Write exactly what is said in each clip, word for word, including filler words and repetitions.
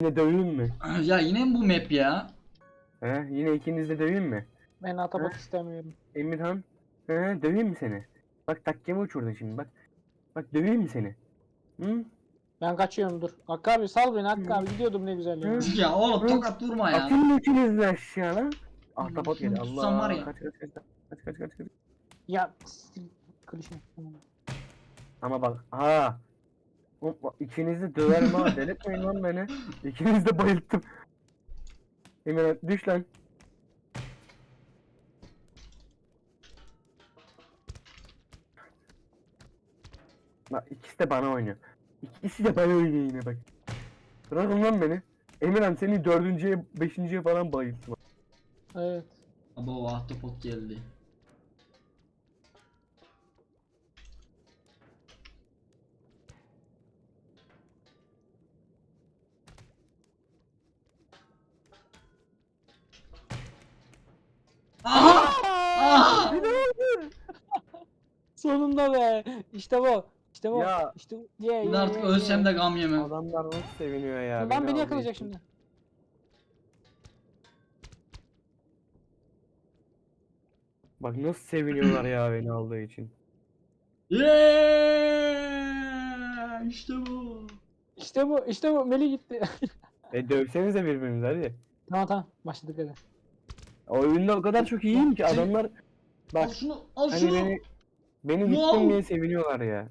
de döveyim mi? Ya yine mi bu map ya? He? Yine ikiniz de döveyim mi? Ben atabot Hı? istemiyorum. Emirhan. He? Döveyim mi seni? Bak takkemi uçurdun şimdi bak. Bak döveyim mi seni? Hı? Ben kaçıyorum dur. Hakkı abi sal beni Hakkı Hı. abi gidiyordum ne güzel ya. Hı. Ya oğlum Hı? tokat vurma ya. Atın mı ikiniz de aşağı lan? Ahtapot Şunu geldi. tutsam var Allah. ya. Kaç kaç kaç kaç kaç kaç kaç. Ya sil- klişe. Ama bak ha. Hop, İkinizi de döverim ha. Delirtmeyin lan beni. İkinizi de bayılttım. Emirhan düş lan. Bak ikisi de bana oynuyor. İkisi de bana oynuyor yine bak. Bırakın lan beni. Emirhan seni dördüncüye, beşinciye falan bayılttım. Evet. Abo ahtapot geldi. Aha! Aha! Sonunda be. İşte bu. İşte bu. Ya. İşte bu. Ye ye Şimdi artık ye, ölsem ye. de gam yemem. Adamlar nasıl seviniyor ya. Lan beni aldığı yakalayacak için. şimdi. Bak nasıl seviniyorlar ya beni aldığı için. Yeah! İşte bu. İşte bu. İşte bu. Meli gitti. E dövsenize birbirinizi hadi. Tamam tamam. Başladık hadi. Oyunda o kadar çok iyiyim ki Seni- adamlar Al bak şunu, al hani şunu. beni beni Wow. gittim diye seviniyorlar ya.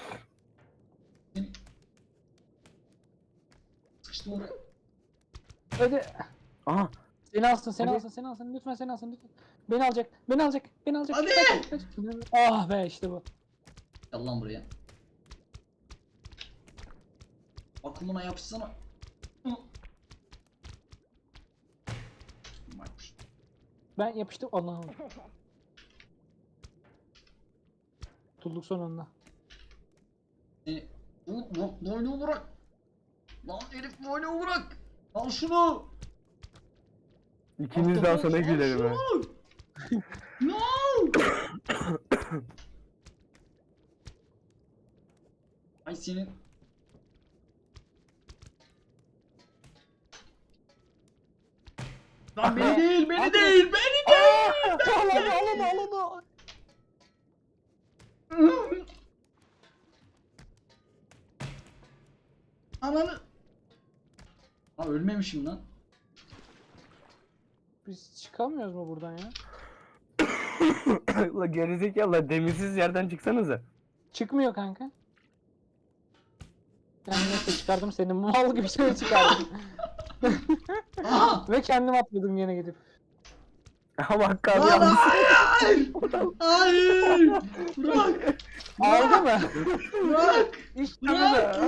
Sıkıştım oraya. Hadi. Aha Seni alsın, seni Hadi. alsın, seni alsın. Lütfen seni alsın lütfen. Beni alacak, beni alacak, beni alacak. Hadi. Kaç, kaç. Ah be işte bu. Gel lan buraya. Akımına yapışsana. Hı. Baykuş. Ben yapıştım. Allah'ım. Tutulduk sonunda. Seni... Bu- bu- Boynumu bırak. Lan herif boynumu bırak. Al şunu. ikiniz daha sana Al gülerim ha. şunu. No. Ay senin. Lan beni değil, beni değil, beni değil. Al onu, al onu, al onu. Ananı. Ha ölmemişim lan. Biz çıkamıyoruz mu buradan ya? La gerizekalı demirsiz yerden çıksanıza. Çıkmıyor kanka. Yani neyse çıkardım seni mal gibi şey çıkardım. Aha. Ve kendim atladım yine gidip. Ama Hakkı abi Lan yalnız. hayır. Hayır. Bırak. Aldı mı? Bırak. İşte Bırak.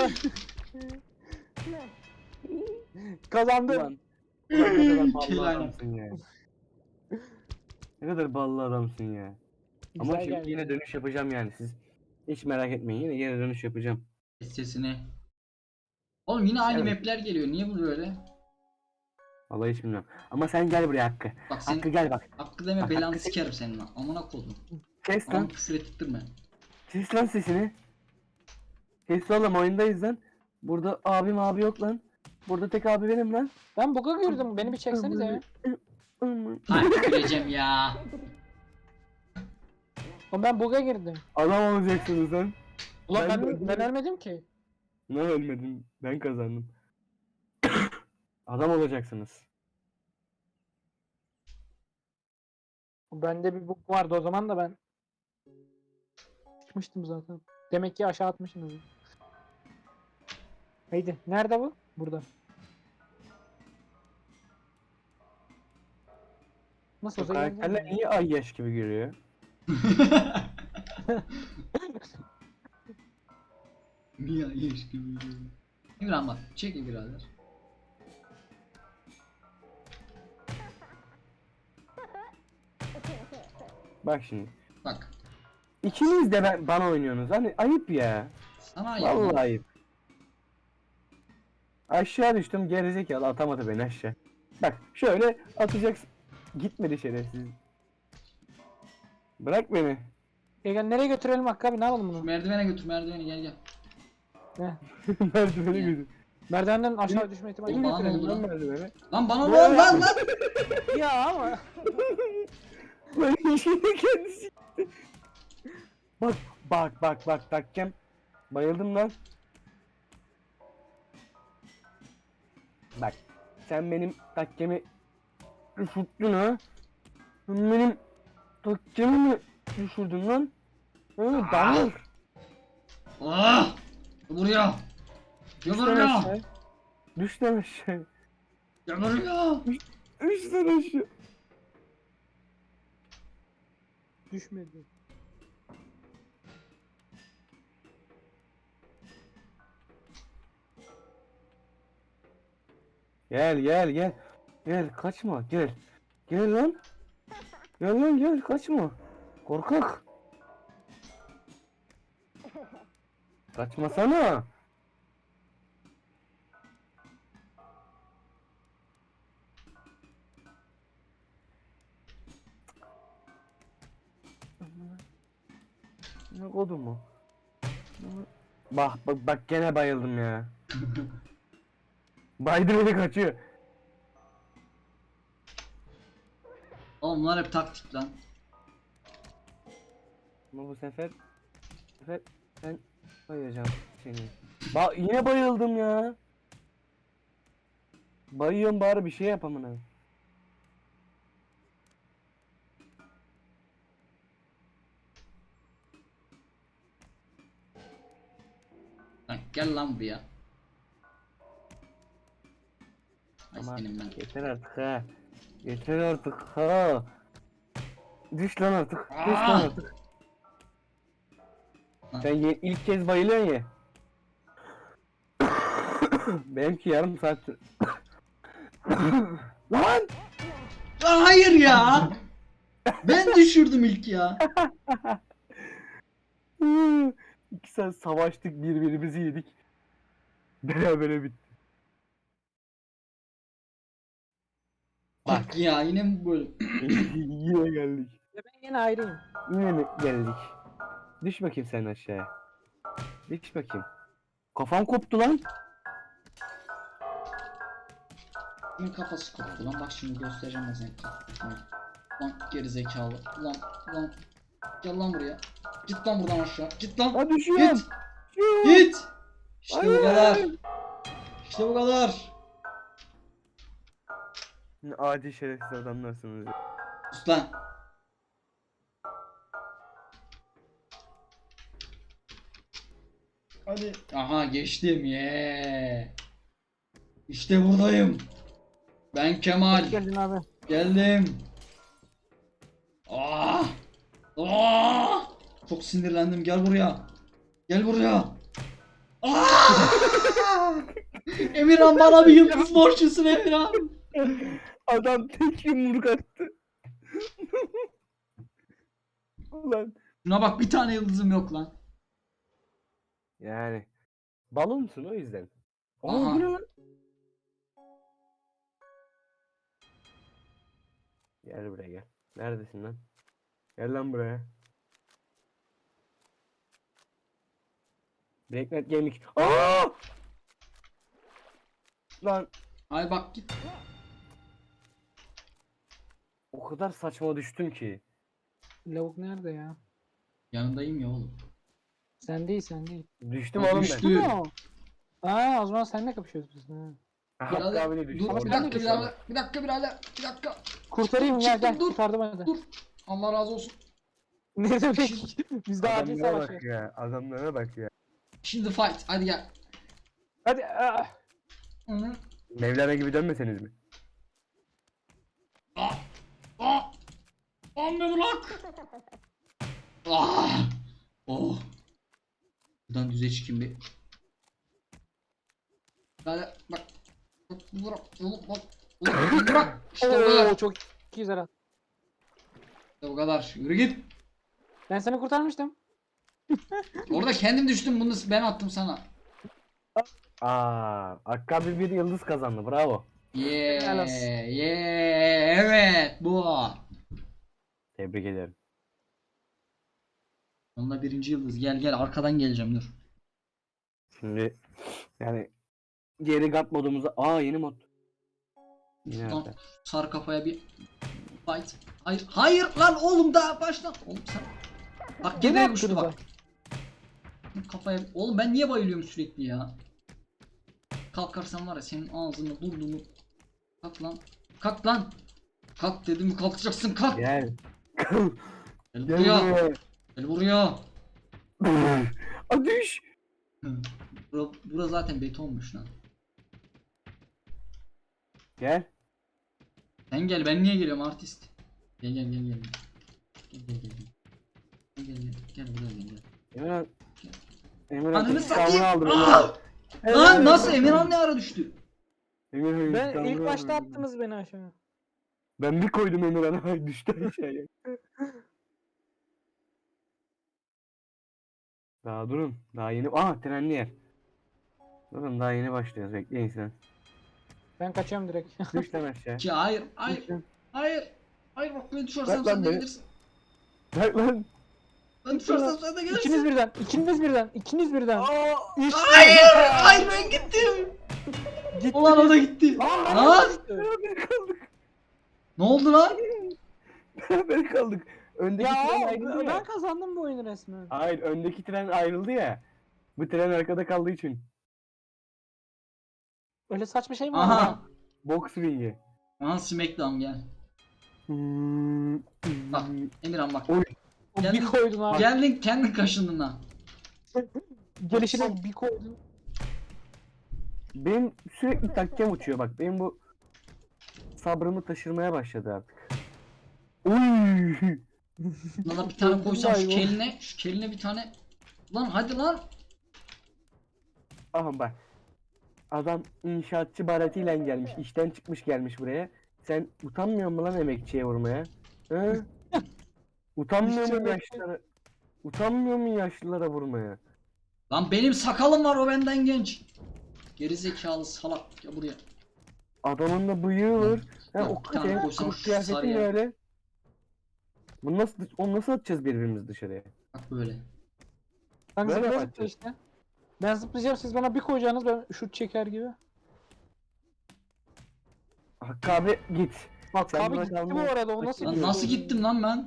bu. Kazandım. Ulan, ulan ne kadar ballı Kelaynak. adamsın ya. Ne kadar ballı adamsın ya. Ama Güzel şimdi geldi. yine dönüş yapacağım yani siz. Hiç merak etmeyin yine yine dönüş yapacağım. Sesini. Oğlum yine aynı Evet. mapler geliyor. Niye bu böyle? Vallahi hiç bilmiyorum. Ama sen gel buraya Hakkı. Bak sen Hakkı gel bak. hakkı deme Bak, belanı hakkı- sikerim senin lan. Amına koydum. Kes Lan lan. küfür ettirme. Kes lan sesini. Kes oğlum oyundayız lan. Burada abim abi yok lan. Burada tek abi benim lan. Ben buga girdim. Beni bir çeksenize ya. Hay tüküreceğim ya. Oğlum ben buga girdim. Adam olacaksınız lan. Ulan Ben ben, de- ben, ölmedim ki. Ne ölmedim. Ben kazandım. Adam olacaksınız. Bende bir bug vardı o zaman da ben çıkmıştım zaten. Demek ki aşağı atmışsınız. Haydi. Nerede bu? Burada. Nasıl Bu olsa karakterler yeneceğim niye ay yaş gibi görüyor? Niye yeş gibi yürüyor? İmran bak çekil birader. Bak şimdi. Bak. İkiniz de ben, bana oynuyorsunuz. Hani ayıp ya. Sana ya. Vallahi ayıp. Aşağı düştüm gerizekalı atamadı beni aşağı. Bak şöyle atacaksın. Gitmedi şerefsiz. Bırak beni. Gel gel nereye götürelim Hakkı abi ne yapalım bunu? Merdivene götür merdivene gel gel. Ne? Merdiveni götür. Merdivenden aşağı düşme ihtimali Oğlum, yok. bana ne oldu lan? Merdiveni. Lan bana ne Ne oldu lan lan? Ya ama. Lan işini kendisi. Bak bak bak bak takkem. Bayıldım lan. Bak sen benim takkemi düşürdün ha. Sen benim takkemi mi düşürdün lan? Ha, damır. Ah! Buraya. Gel Düş lan buraya. aşağı. Düş lan aşağı. Gel buraya. Düş lan aşağı. Düşmedi. Gel gel gel. Gel kaçma gel. Gel lan. Gel lan gel kaçma. Korkak. Kaçmasana. Ne kodu mu? Bak bak bak gene bayıldım ya. Baydı beni kaçıyor. Oğlum bunlar hep taktik lan. Ama bu sefer bu sefer ben bayılacağım seni. Ba yine bayıldım ya. Bayıyorum bari bir şey yapamına. Lan gel lan buraya. Ay Ama senin ben. yeter artık ha. Yeter artık ha. Düş lan artık. Düş lan Aa! artık. Sen ye- ilk kez bayılıyorsun ya. Benimki yarım saattir. Lan! Aa, hayır ya. Ben düşürdüm ilk ya. İki saat savaştık birbirimizi yedik. Berabere bitti. Bak ya yine mi böyle? Yine geldik. Ya ben yine ayrıyım. Yine mi geldik? Düş bakayım sen aşağıya. Düş bakayım. Kafam koptu lan. Kimin kafası koptu lan? Bak şimdi göstereceğim ben sana. Lan, lan geri zekalı. Lan lan. Gel lan buraya. Git lan buradan aşağı. Git lan. Ha düşüyorum. Git. Düşüyorum. Git. İşte Hayır. bu kadar. İşte bu kadar. Ne adi şerefsiz adamlarsınız ya. Sus lan. Hadi. Aha geçtim ye. İşte buradayım. Ben Kemal. Hoş geldin abi. Geldim. Aa! Aa! Çok sinirlendim. Gel buraya. Gel buraya. Aa! Emirhan bana bir yıldız borçlusun Emirhan. Adam tek yumruk attı. Ulan. Şuna bak bir tane yıldızım yok lan. Yani. Balonsun o yüzden. Aa Aha. bu ne lan? Gel buraya gel. Neredesin lan? Gel lan buraya. Breaknet Gaming. Aa! Lan Ay bak git. o kadar saçma düştüm ki. Lavuk nerede ya? Yanındayım ya oğlum. Sen değil sen değil. Düştüm Ya oğlum düştü. ben. Ü. Aa, Aa o zaman seninle kapışıyoruz biz. Ha. Hakkı Birader, abi de düştü. dur bir Orada. dakika birader. Bir dakika birader. Bir dakika. Kurtarayım Çıktım, ya gel çıktım, dur. kurtardım hadi. Dur. Allah razı olsun. Ne demek? Biz de acil Adamlara savaş. bak ya. Adamlara bak ya. Şimdi fight. Hadi gel. Hadi. Aa. Hı -hı. Mevlana gibi dönmeseniz mi? Aa! Aa! Anne bırak! Ah! Oh! Buradan düze çıkayım bir. Bak bak. Bak bırak. Oğlum bak. Oğlum bırak. İşte bu kadar. Oo, çok iyi Zara. İşte bu kadar. Yürü git. Ben seni kurtarmıştım. Orada kendim düştüm. Bunu ben attım sana. Aa, Hakkı abi bir yıldız kazandı. Bravo. Yeah. Helal olsun. Yeah. Evet. Bu. Tebrik ederim. Onunla birinci yıldız. Gel gel. Arkadan geleceğim dur. Şimdi yani geri gat modumuza. Aa yeni mod. Yine Şuradan nerede? sar kafaya bir fight. Hayır, hayır lan oğlum daha başla. Oğlum sen. Bak Gene gene uçtu attınız bak. Kafaya. Oğlum ben niye bayılıyorum sürekli ya? Kalkarsan var ya senin ağzını burnunu. Kalk lan. Kalk lan. Kalk dedim mi kalkacaksın kalk. Gel. Gel Gel buraya. buraya. Gel buraya. Aa düş. Bura, bura zaten betonmuş lan. Gel. Sen gel ben niye geliyorum artist? Gel gel gel gel. Gel gel gel. Gel gel gel. Gel buraya gel gel. Emirhan. Emirhan Ananı intikamını satayım. aldı Aa! beni. Lan nasıl Emirhan ne ara düştü? Emirhan Ben intikamını ilk aldı başta beni. attınız beni aşağı. Ben bir koydum Emirhan'a düştü aşağıya. Daha durun. Daha yeni. Aa trenli yer. Durun daha yeni başlıyoruz. Bekleyin sen. Ben kaçıyorum direkt. Düş lan aşağı. Ki hayır hayır Düş lan. hayır. Hayır bak ben düşersem Bırak lan sen de beni. gelirsin. Bırak lan. Ben düşersem sen de İkiniz gelirsin. birden, ikiniz birden, ikiniz birden. İşte. Hayır hayır ben gittim. Gitti. Ulan o da gitti. Lan, Lan Beraber kaldık. ne oldu lan? Beraber kaldık. Öndeki Ya tren ayrıldı ben ya. kazandım bu oyunu resmen. Hayır öndeki tren ayrıldı ya. Bu tren arkada kaldığı için. Öyle saçma şey mi var? Aha. Box ringi. Aha Smackdown gel. Hmm. Bak Emirhan bak. Oy. O Geldin- bir koydun abi. Geldin kendin kaşındın lan. Gelişine bir koydun. Benim sürekli takkem uçuyor bak. Benim bu sabrımı taşırmaya başladı artık. Uy. Lan bir tane koysam şu Hayvan. keline, şu keline bir tane. Lan hadi lan. Aha bak. Adam inşaatçı baratiyle gelmiş. İşten çıkmış gelmiş buraya. Sen utanmıyor musun lan emekçiye vurmaya? Hı? Utanmıyor İşçi musun emekçi. yaşlılara? Utanmıyor musun yaşlılara vurmaya? Lan benim sakalım var o benden genç. Geri zekalı salak ya buraya. Adamın da bıyığı var. Ha, Ya, o bir tane kadar koysam kılık şu kıyafetin sarıya. ne öyle? Bunu nasıl, onu nasıl atacağız birbirimizi dışarıya? Bak böyle. Ben Böyle zıplaya yapacağız. zıplaya işte. Ben zıplayacağım siz bana bir koyacaksınız ben şut çeker gibi. Hakkı abi git. Bak Sen abi buna gitti bu kalma. arada o nasıl Lan bir nasıl şey? gittim lan ben?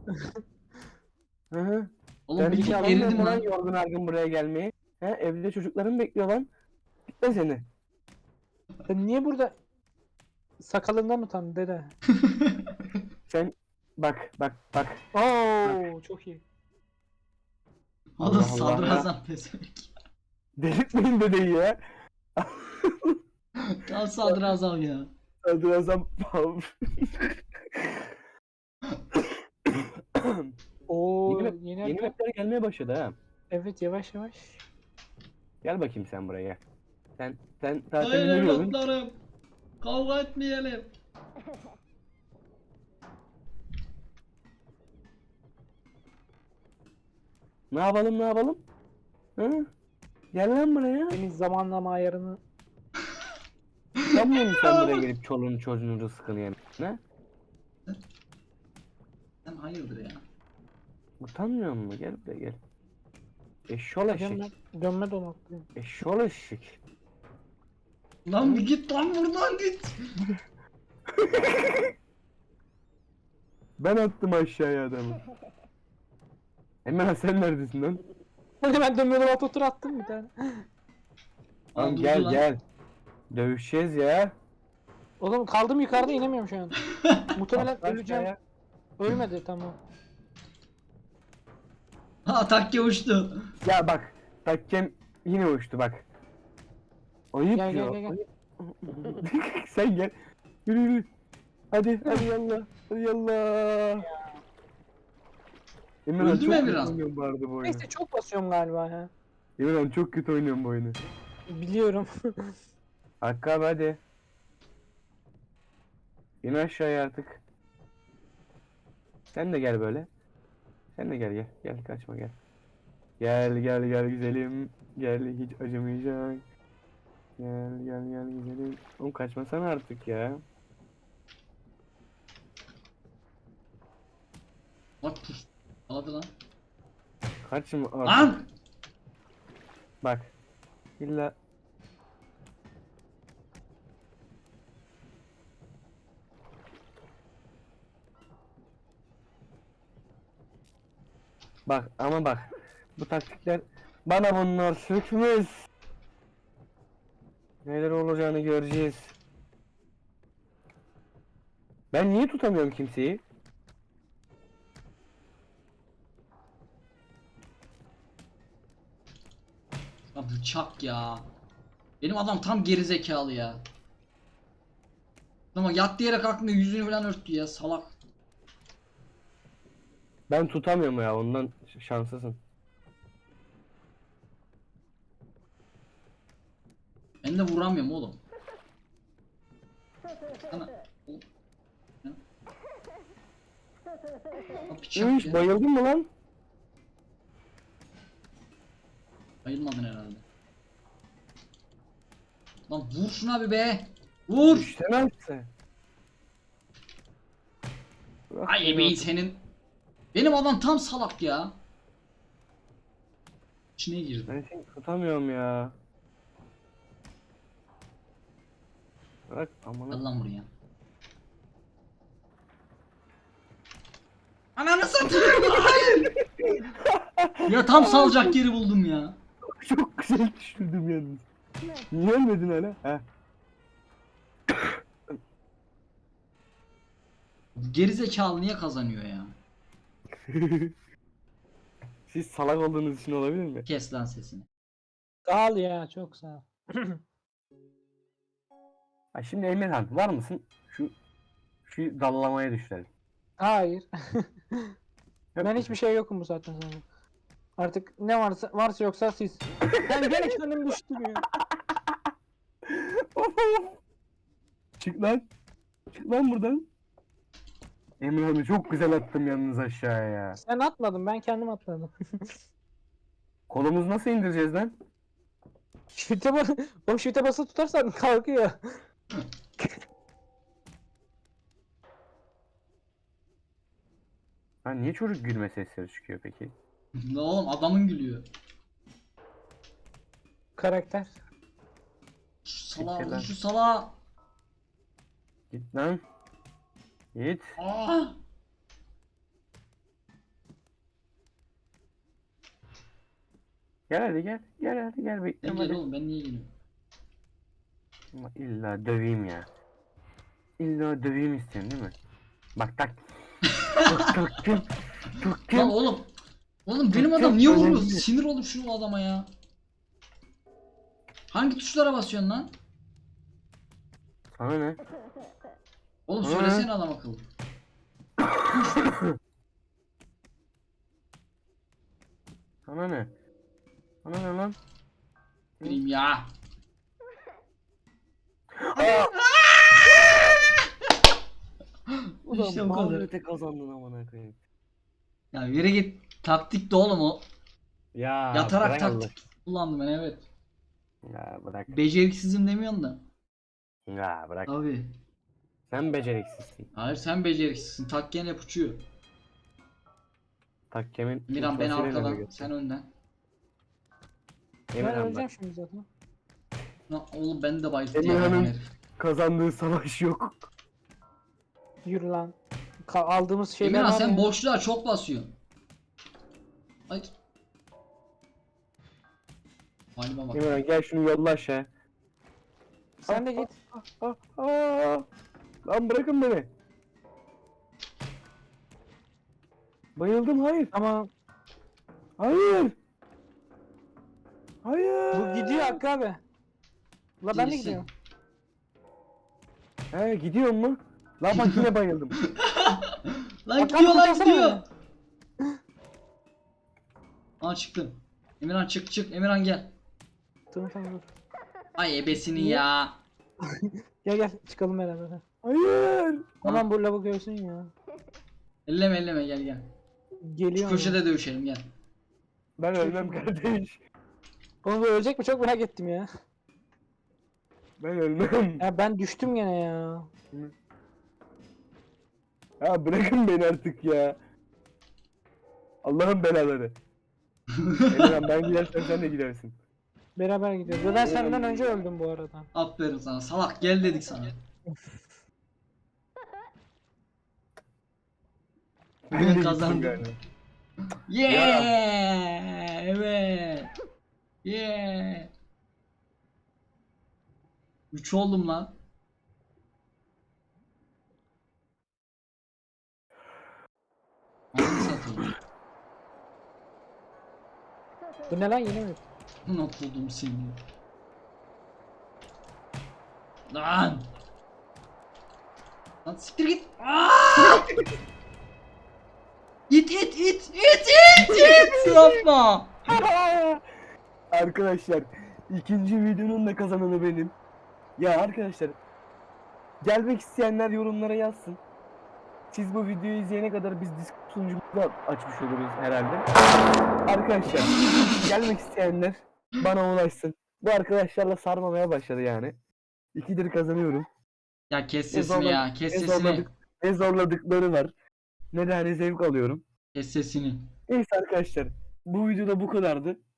Hı hı. Oğlum Sen bir hiç tık anlamıyor gerildim musun lan lan. yorgun argın buraya gelmeyi? He, evde çocukların bekliyor lan. Gitme seni. Sen niye burada sakalından utan dede? Sen bak bak bak. Oo çok iyi. Oğlum Allah Allah. sadrazam pezevenk. Delirtmeyin dedeyi ya. Tam sadrazam ya. Sadrazam. Oo Yeni, yeni, map- yeni harita. mapler gelmeye başladı ha. Evet yavaş yavaş. Gel bakayım sen buraya. Sen sen zaten Hayır yürüyordun. evlatlarım. Kavga etmeyelim. Ne yapalım ne yapalım? Hı? Gel lan buraya. Senin zamanlama ayarını. Sanmıyor musun sen buraya gelip çoluğunu çocuğunu rızkını yemek? Ne? Sen hayırdır ya. Utanmıyor musun? Gel buraya gel. Eşşol eşek. Dönme, dönme dolaptayım. Eşşol eşek. Lan bir git lan buradan git. Ben attım aşağıya adamı. Hemen sen neredesin lan? Hadi ben dönme dolapta tur attım bir tane. Lan durdu gel lan. gel. Dövüşeceğiz ya. Oğlum kaldım yukarıda inemiyorum şu an. Muhtemelen Atla öleceğim. aşağıya. Ölmedi tamam. Ha takke uçtu. Ya bak. Takkem yine uçtu bak. Ayıp Gel, ya. gel, gel, gel. ayıp. Sen gel. Yürü yürü. Hadi hadi yallah. Hadi yallah. Emirhan Öldü çok mü kötü Emirhan? oynuyorum bu arada bu oyunu. Neyse çok basıyorum galiba ya. Emirhan çok kötü oynuyorum bu oyunu. Biliyorum. Hakkı abi hadi. İn aşağıya artık. Sen de gel böyle. Sen de gel gel. Gel kaçma gel. Gel gel gel güzelim. Gel hiç acımayacak. Gel gel gel güzelim. Oğlum kaçmasana artık ya. Bak pus. Aladı lan. Kaçma artık. Lan! Bak. İlla Bak ama bak. Bu taktikler bana bunlar sökmez. Neler olacağını göreceğiz. Ben niye tutamıyorum kimseyi? Ya bıçak ya. Benim adam tam gerizekalı ya. Ama yattı yere kalktığında yüzünü falan örttü ya salak. Ben tutamıyorum ya, ondan ş- şanslısın. Ben de vuramıyorum oğlum. Sana... Oğlum. Ya. Ya bıçak Üş, ya. bayıldın mı lan? Bayılmadın herhalde. Lan vur şuna bir be. Vur. İşlemezse. Bırak Ay beni ebeğin artık. senin. Benim adam tam salak ya. İçine girdi. Ben seni tutamıyorum ya. Bırak Gel amına. lan buraya. Ananı satayım. Hayır. Ya tam salacak yeri buldum ya. Çok güzel düşürdüm yalnız. Niye ölmedin hala? Heh. Gerizekalı niye kazanıyor ya? Siz salak olduğunuz için olabilir mi? Kes lan sesini. Sağ ol ya, çok sağ ol. Ha şimdi Emirhan var mısın? Şu şu dallamaya düşelim. Hayır. Yok Ben mu? hiçbir şey yokum bu saatten sonra. Artık ne varsa varsa yoksa siz. Ben gene kendim düştüm ya. Çık lan. Çık lan buradan. Emirhan'ı çok güzel attım yalnız aşağıya ya. Sen atmadın, ben kendim atladım. Kolumuzu nasıl indireceğiz lan? Shift'e bas. Oğlum shift'e basılı tutarsan kalkıyor. Ha niye çocuk gülme sesleri çıkıyor peki? Ne oğlum adamın gülüyor. Karakter. Şu salağa Bitti vur lan. şu salağa. Git lan. Git. Aa! Gel hadi gel. Gel hadi gel Ben bekliyorum gel hadi. oğlum ben niye geliyorum? Ama illa döveyim ya. İlla döveyim istiyorsun değil mi? Bak tak. Tak taktım. Lan Taktım. oğlum. Oğlum benim Çok adam niye vuruyor? önemli. Sinir oldum şu adama ya. Hangi tuşlara basıyorsun lan? Sana ne? Oğlum Hı? söylesene adam akıllı. Sana ne? Sana ne lan? Bileyim ya. Ulan İşte bu kadar. mağlubiyete kazandın amına koyayım. Ya yere git. Taktik de oğlum o. Ya Yatarak bırak taktik kullandım ben evet. Allah. Ya bırak. Beceriksizim demiyorsun da. Ya bırak. Abi. Sen beceriksizsin. Hayır sen beceriksizsin. Takken hep uçuyor. Takkemin Miran ben ultrasıyla arkadan, navigasyon. sen önden. Ben Emirhan öleceğim bak. şimdi zaten. Lan oğlum beni de bayılttı ya. Emirhan'ın hayvan herif. kazandığı savaş yok. Yürü lan. Ka- aldığımız şeyler Emirhan var sen ya. boşluğa çok basıyorsun. Hayır. Halime bak. Emirhan gel şunu yolla aşağı. Sen de git. Ah, ah. Lan bırakın beni. Bayıldım, hayır. Ama Hayır. Hayır. bu gidiyor Hakkı abi. La ben de Gerisi. gidiyorum. He gidiyor mu? Lan bak yine bayıldım. Lan Bak, gidiyor bak, lan kurtarsana gidiyor. Aa çıktım. Emirhan çık çık. Emirhan gel. Tamam tamam dur. Ay ebesini Niye? ya. Gel gel çıkalım beraber. Hayır. Aman bu lavuk görsün ya. Elleme elleme gel gel. Geliyor. Şu köşede dövüşelim gel. Ben Çok ölmem iyi. kardeş. Oğlum bu ölecek mi? Çok merak ettim ya. Ben ölmem. Ya ben düştüm gene ya. Ya bırakın beni artık ya. Allah'ın belaları. Emirhan ben gidersem sen de gidersin. Beraber gidiyoruz. Ve ben senden önce öldüm bu arada. Aferin sana salak gel dedik sana. Ben Ben de gittim kazandım. galiba. Yeah! Evet. Yeah! üç oldum lan. Ananı satayım. Bu ne lan, yeni mi? Buna buldum seni. Lan! Lan siktir git. Aa! İt it it it it it yapma. Arkadaşlar ikinci videonun da kazananı benim. Ya arkadaşlar gelmek isteyenler yorumlara yazsın. Siz bu videoyu izleyene kadar biz Discord sunucumuzu da açmış oluruz herhalde. Arkadaşlar gelmek isteyenler bana ulaşsın. Bu arkadaşlarla sarmamaya başladı yani. İkidir kazanıyorum. Ya kes Ne sesini ya, zorladık- kes ne sesini. zorladık- Ne zorladıkları var. Ne de hani zevk alıyorum. Kes sesini. Neyse arkadaşlar bu videoda bu kadardı.